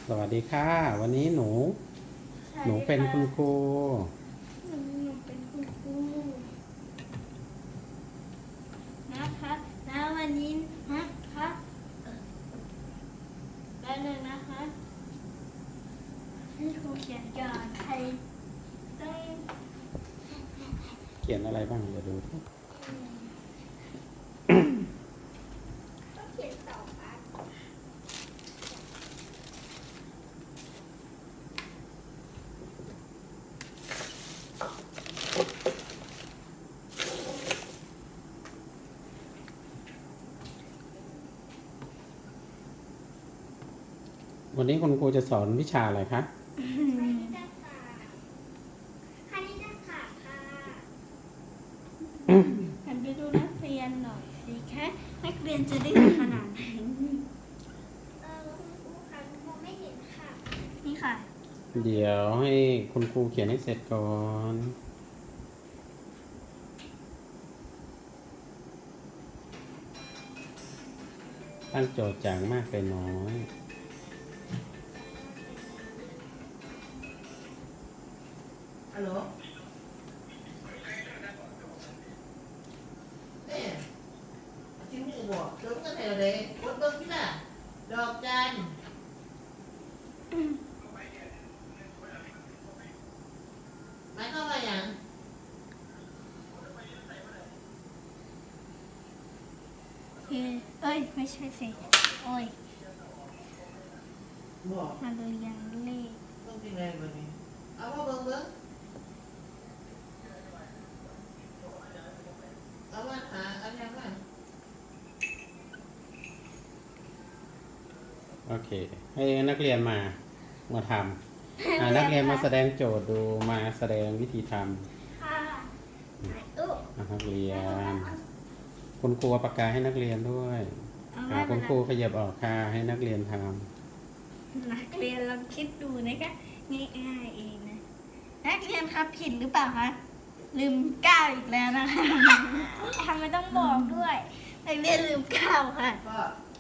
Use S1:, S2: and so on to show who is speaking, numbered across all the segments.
S1: สวัสดีค่ะวันนี้หนูเป็นคุณครู
S2: หนูเป็นคุณครูนะคะแล้ววันนี้นะคะแล้วหนึ่งนะคะให้ครูเขียนก่อนใครต้อง
S1: เขียนอะไรบ้างเดี๋ยวดู
S2: ต้องเขียน2 อัน
S1: วันนี้คุณครูจะสอนวิชาอะไรคะ
S2: คณิตศาสตร์ค่ะหันไปดูนักเรียนหน่อยสิคะนักเรียนจะได้ขนาดไหนคุณครูค่ะมองไม่เห็นค่ะนี่ค่ะ
S1: เดี๋ยวให้คุณครูเขียนให้เสร็จก่อนตั้งโจทย์จากมากไปน้อย
S3: ฮัลโหลเนี่ยชิ้นนี้บอกเติมเงินให้เราเลยกดเบิ่งที่น่ะดอกจันหมายความว่าหยัง
S2: เอ้ยไม่ใช่สิโอ้ย
S3: บอก
S2: มาเรียงเลข
S3: เบิ่งที่ไหนบัดนี้เอามาเบิ่งเอามาหาอันยังไง
S1: โอเคให้นักเรียนมาทำนักเรียนมาแสดงโจทย์ดูมาแสดงวิธีทำ
S2: ค่ะอุ๊
S1: นักเรียนคุณครูเอาปากกาให้นักเรียนด้วยคุณครูขยับออกค่ะให้นักเรียนทำ
S2: นักเรียนลองคิดดูนะคะง่ายๆเองนะนักเรียนครับผิดหรือเปล่าคะลืม9อีกแล้วนะคะทำไมต้องบอกด้วยนักเรียนลืม9ค่ะ
S3: ก็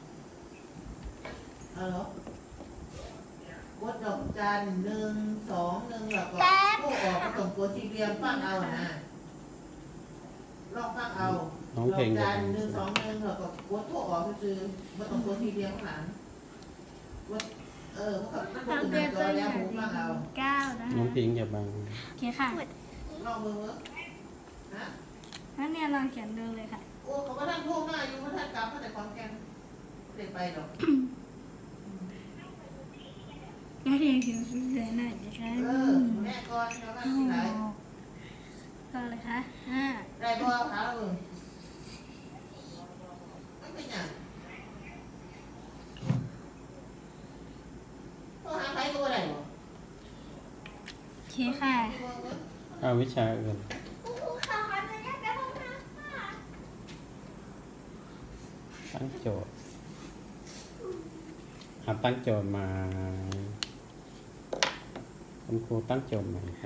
S3: ฮัลโหลกดดอกจัน121แล้วก็โทรออกมาส่งตัวสี่เหลี่ยมฟังเอานะลองฟังเอา
S1: น้องเพลง
S3: ด
S1: จะ
S3: อกจัน
S1: ทำ
S3: 121แล้วก็กดโทรออกคือมาส่งตัวสี่เหลี่ยมข้างหลังกดมันก็
S2: นัก
S3: ขึ้นห
S2: เรีย
S3: น้าน จ
S2: ตั
S3: อ
S2: วอ
S3: แล้ว
S2: ย่าง
S3: หูฟังเอา
S2: 9นะ
S1: น้อง
S2: คะ
S1: พิงอย่าบัง
S2: โอเคค่ะ
S3: ลองมือฮะ
S2: นักเรียนลองเขียนดูเลยค่ะ
S3: โอ้เขาก็ท่านพูดมาอยู่ว่าท่านกลับมาแต่ความแกนเด็กไปหรอก
S2: นักเรียนเขียนสวยๆหน่อยนะคะ
S3: แม่ก่อนแล้วก็ที่ไหน
S2: ก็เลยค่ะ
S3: ได้บ่หาไม่เป็นอย่างต้องหาใครก็ได้บ่
S2: โอเคค่ะ
S1: เอาวิชาอื่น
S2: ครูค่ะขออนุญาตไปห้องน้ำค่ะ
S1: ตั้งโจทย์ตั้งโจทย์มาคุณครูตั้งโจทย์ใหม่ค่ะ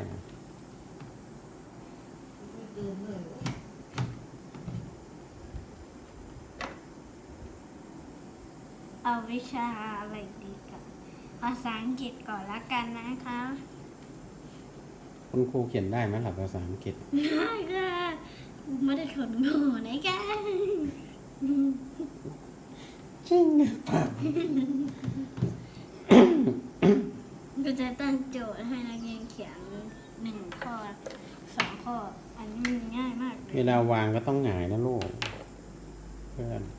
S2: เอาวิชาอะไรดีกันภาษาอังกฤษก่อนละกันนะคะ
S1: คุณครูเขียนได้ไหมหลับภาษาอังกฤษ
S2: ได้ค่ะไม่ได้ขนหนูนะคะ
S1: จริงหรือเปล่า
S2: ก็จะตั้งโจทย์ให้นักเรียนเขียน1 ข้อ 2 ข้อ อันนี้มันง่ายมากเลย
S1: เวลาวางก็ต้องหงายนะลูกเพื่อน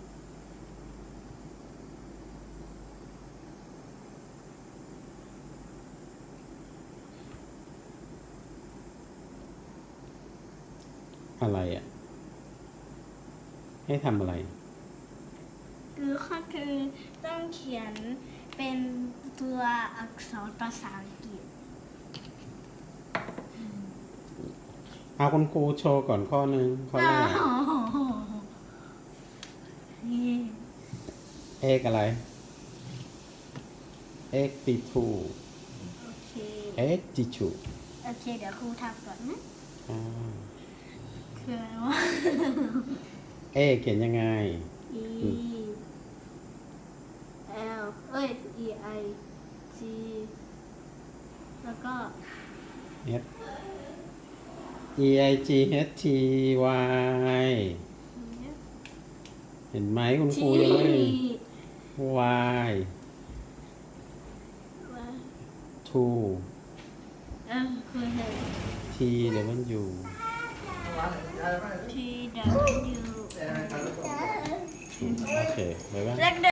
S1: อะไรอ่ะ ให้ทำอะไร
S2: คือข้อคือต้องเขียนเป็นตัวอักษรภาษาอังกฤษ
S1: เอาคุณครูโชว์ก่อนข้อหนึ่งข้อแรกเอกอะไรเอกติทู
S2: โอเค
S1: เอกติชู
S2: โอเค เดี๋ยวครูทำก่อนนะ
S1: อ่า
S2: คืออะไรวะ
S1: เอกเขียนยังไง
S2: E L เอ้ย E I แล้วก็
S1: H E I G H T Y เห็นไหมคุณครูยังไม่ Y 2
S2: คือเห็น
S1: T W
S2: T W
S1: โอเคบ๊ายบาย
S2: เลข